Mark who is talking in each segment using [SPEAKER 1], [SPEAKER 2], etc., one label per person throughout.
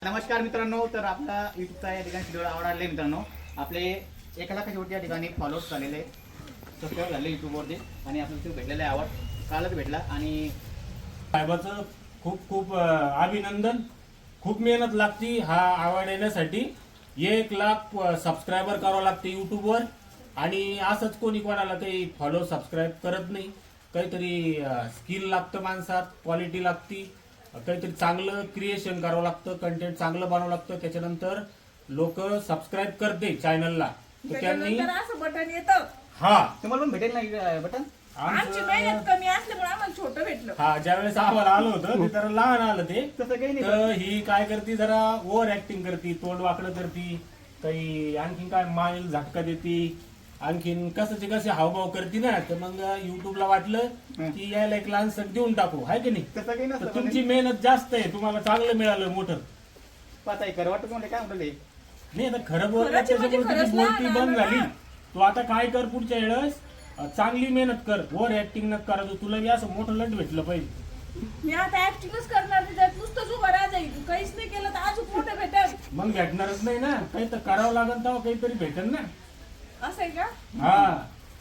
[SPEAKER 1] नमस्कार मित्रांनो, तर आपला युट्यूबचा या ठिकाणी व्हिडिओ आवडले मित्रांनो. आपले 1 लाखाच्या वरती या ठिकाणी फॉलोअर्स झालेले, सबस्क्राईब झाले युट्यूबवरती आणि आपल्याला भेटलेला आहे आवड कालच भेटला. आणि
[SPEAKER 2] साहेबाचं खूप खूप अभिनंदन. खूप मेहनत लागती हा आवड येण्यासाठी. 1 लाख सबस्क्रायबर करावं लागते युट्यूबवर. आणि असंच कोणी कोणाला काही फॉलो सबस्क्राईब करत नाही. काहीतरी स्किल लागतं माणसात, क्वालिटी लागती, काहीतरी चांगलं क्रिएशन करावं लागतं, कंटेंट चांगलं बनवावं लागतं. त्याच्यानंतर लोक सबस्क्राईब करते चॅनलला. तर त्यांनी
[SPEAKER 3] असं बटन येतं.
[SPEAKER 2] हा
[SPEAKER 1] तुम्हाला पण भेटेल नाही बटन.
[SPEAKER 3] आमची मेहनत कमी असल्यामुळे आम्हाला छोटं भेटलं.
[SPEAKER 2] हा ज्यावेळेस आम्हाला आलं होतं ते जरा लहान आलं ते.
[SPEAKER 1] तसं काही नाही.
[SPEAKER 2] तर ही काय करते, जरा ओव्हर ऍक्टिंग करते, तोंड वाकडं करते, काही आणखीन काय माईल झटका देते, आणखीन कशाचे कसे हावभाव करते ना. तर मग युट्यूबला वाटलं की यायला एक लहानसं देऊन टाकू, हाय की नाही.
[SPEAKER 1] तसं काही
[SPEAKER 2] तर
[SPEAKER 1] नसतं.
[SPEAKER 2] तुमची मेहनत जास्त आहे, तुम्हाला चांगलं मिळालं मोठं.
[SPEAKER 1] पाहता आहे वाटतं तुम्हाला काय म्हटलं.
[SPEAKER 2] नाही आता खरं बोललं
[SPEAKER 3] खरंच म्हणजे
[SPEAKER 2] त्याच्यामुळे
[SPEAKER 3] खरंच
[SPEAKER 2] तुझी बोलती
[SPEAKER 3] लहान
[SPEAKER 2] बंद
[SPEAKER 3] आलं
[SPEAKER 2] झाली.
[SPEAKER 3] ना.
[SPEAKER 2] तू आता काय कर, पुढच्या वेळेस चांगली मेहनत कर, ओव्हर ऍक्टिंग न करा. तुला बी असं मोठं लट भेटलं पाहिजे.
[SPEAKER 3] मी आता ऍक्टिंगच करणार नाही, त्यात नुसतंच उभं राहा जाईल. काहीच नाही केलं तर अजून मोठं भेटेल.
[SPEAKER 2] मग भेटणारच नाही ना, काही तर करावं लागेल तेव्हा काहीतरी भेटेल ना.
[SPEAKER 3] असं आहे का?
[SPEAKER 2] हा.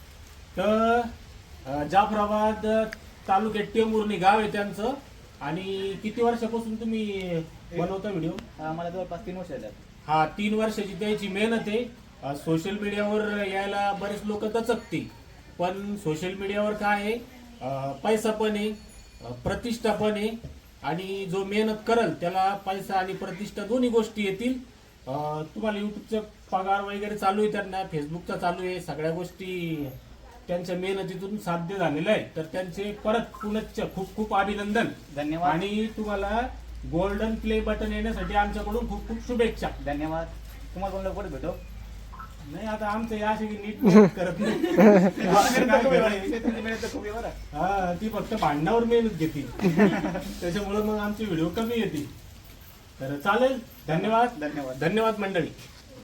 [SPEAKER 2] तर जाफराबाद तालुक्यात टेंभुर्णी गाव आहे त्यांचं. आणि किती वर्षापासून तुम्ही बनवता व्हिडिओ?
[SPEAKER 1] मला जवळपास 3 वर्ष झाले.
[SPEAKER 2] हा, 3 वर्षाची त्याची मेहनत आहे. सोशल मीडियावर यायला बरेच लोक दचकते, पण सोशल मीडियावर काय आहे, पैसा पण आहे, प्रतिष्ठा पण आहे. आणि जो मेहनत करल त्याला पैसा आणि प्रतिष्ठा दोन्ही गोष्टी येतील. तुम्हाला युट्यूबचा पगार वगैरे चालू आहे, त्यांना फेसबुकचा चालू आहे, सगळ्या गोष्टी त्यांच्या मेहनतीतून साध्य झालेलं आहे. तर त्यांचे परत पुनश्च खूप खूप अभिनंदन.
[SPEAKER 1] धन्यवाद.
[SPEAKER 2] आणि तुम्हाला गोल्डन प्ले बटन येण्यासाठी आमच्याकडून खूप खूप शुभेच्छा.
[SPEAKER 1] धन्यवाद. तुम्हाला कोण लवकर भेटो.
[SPEAKER 2] नाही आता आमचं या अशी नीट करत नाही.
[SPEAKER 1] तुमची मेहनत तर खूप आहे बरं.
[SPEAKER 2] हा, ती फक्त भांडणावर मेहनत घेते. त्याच्यामुळे मग आमचे व्हिडिओ कमी येते. तर चालेल. धन्यवाद.
[SPEAKER 1] धन्यवाद.
[SPEAKER 2] धन्यवाद मंडळी.